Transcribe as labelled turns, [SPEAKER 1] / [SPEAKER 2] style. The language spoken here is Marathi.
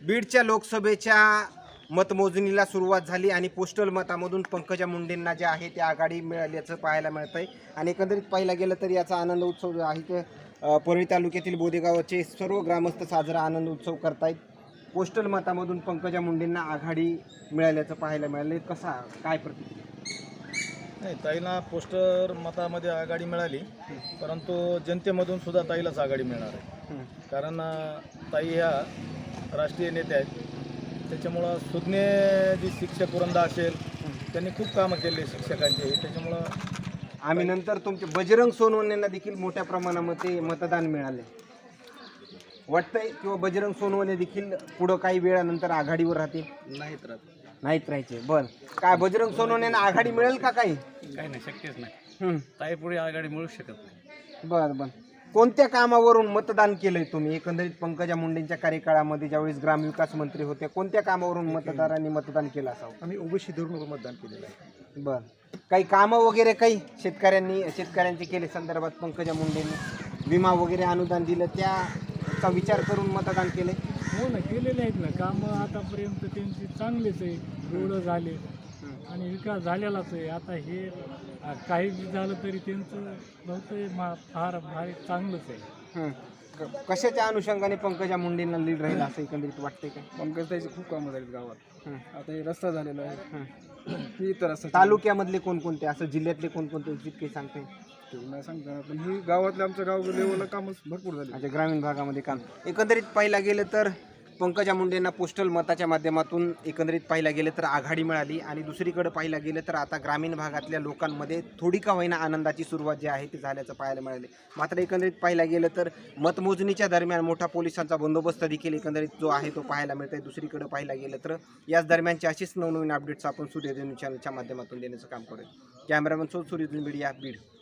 [SPEAKER 1] बीडच्या लोकसभेच्या मतमोजणीला सुरुवात झाली आणि पोस्टल मतामधून पंकजा मुंडेंना जे आहे ते आघाडी मिळाल्याचं पाहायला मिळतंय। आणि एकंदरीत पाहायला गेलं तर याचा आनंद उत्सव जो आहे ते परळी तालुक्यातील बोदेगावचे सर्व ग्रामस्थ साजरा आनंद उत्सव करतायत। पोस्टल मतामधून पंकजा मुंडेंना आघाडी मिळाल्याचं पाहायला मिळाले, कसा काय प्रतिक्रिया?
[SPEAKER 2] नाही, ताईला पोस्टर मतामध्ये आघाडी मिळाली, परंतु जनतेमधून सुद्धा ताईलाच आघाडी मिळणार आहे। कारण ताई ह्या राष्ट्रीय नेते आहेत, त्याच्यामुळं सुज्ञ जी शिक्षक वृंद असेल त्यांनी खूप कामं केले शिक्षकांचे, त्याच्यामुळं
[SPEAKER 1] आम्ही नंतर तुमचे बजरंग सोनवणेंना देखील मोठ्या प्रमाणामध्ये मतदान मिळाले वाटतंय, किंवा बजरंग सोनवणे देखील पुढं काही वेळानंतर आघाडीवर राहतील? नाहीत राहायचे। बर, काय बजरंग सोनवणेंना आघाडी मिळेल का? काही
[SPEAKER 2] नाही, शक्यच नाही। ताई पुढे आघाडी मिळू शकत नाही।
[SPEAKER 1] बर बर, कोणत्या कामावरून मतदान केलंय तुम्ही? एकंदरीत पंकजा मुंडेंच्या कार्यकाळामध्ये ज्यावेळेस ग्रामविकास मंत्री होते, कोणत्या कामावरून मतदारांनी मतदान केलं असावं?
[SPEAKER 2] आम्ही ओबीसी धरून मतदान केलेलं आहे।
[SPEAKER 1] बर, काही कामं वगैरे काही शेतकऱ्यांचे केले संदर्भात पंकजा मुंडेंनी? विमा वगैरे अनुदान दिलं, त्याचा विचार करून मतदान केले?
[SPEAKER 3] हो ना, केलेले आहेत ना कामं आतापर्यंत त्यांची चांगलीच आहे, रोड झाले आणि विकास झालेलाच आहे। आता हे काही झालं तरी त्यांचं बहुतेक फार भारी चांगलंच आहे।
[SPEAKER 1] कशाच्या अनुषंगाने पंकजा मुंडेंना लीड राहील असं एकंदरीत वाटतंय का?
[SPEAKER 2] पंकजताईचे खूप कामं झालीत गावात। आता हे रस्ता झालेला आहे, ही तर असं
[SPEAKER 1] तालुक्यामधले कोणकोणते, असं जिल्ह्यातले कोणकोणते जितके सांगते?
[SPEAKER 2] नाही सांगता, पण ही गावातल्या आमच्या गाव लेवलला कामच भरपूर झाले।
[SPEAKER 1] अच्छा, ग्रामीण भागामध्ये काम एकंदरीत पाहिला गेलं तर पंकजा मुंडेंना पोस्टल मताच्या माध्यमातून एकंदरीत पाहिला गेलं तर आघाडी मिळाली, आणि दुसरीकडे पाहिला गेलं तर आता ग्रामीण भागातल्या लोकांमध्ये थोडी का होईना आनंदाची सुरुवात जी आहे ती झाल्याचं पाहायला मिळाले। मात्र एकंदरीत पाहिला गेलं तर मतमोजणीच्या दरम्यान मोठा पोलिसांचा बंदोबस्त देखील एकंदरीत जो आहे तो पाहायला मिळतोय। दुसरीकडे पाहिला गेलं तर याच दरम्यानची अशीच नवनवीन अपडेट्स आपण सूर्यधन चॅनलच्या माध्यमातून देण्याचं काम करूया। Cameraman Suryadhan media, Beed.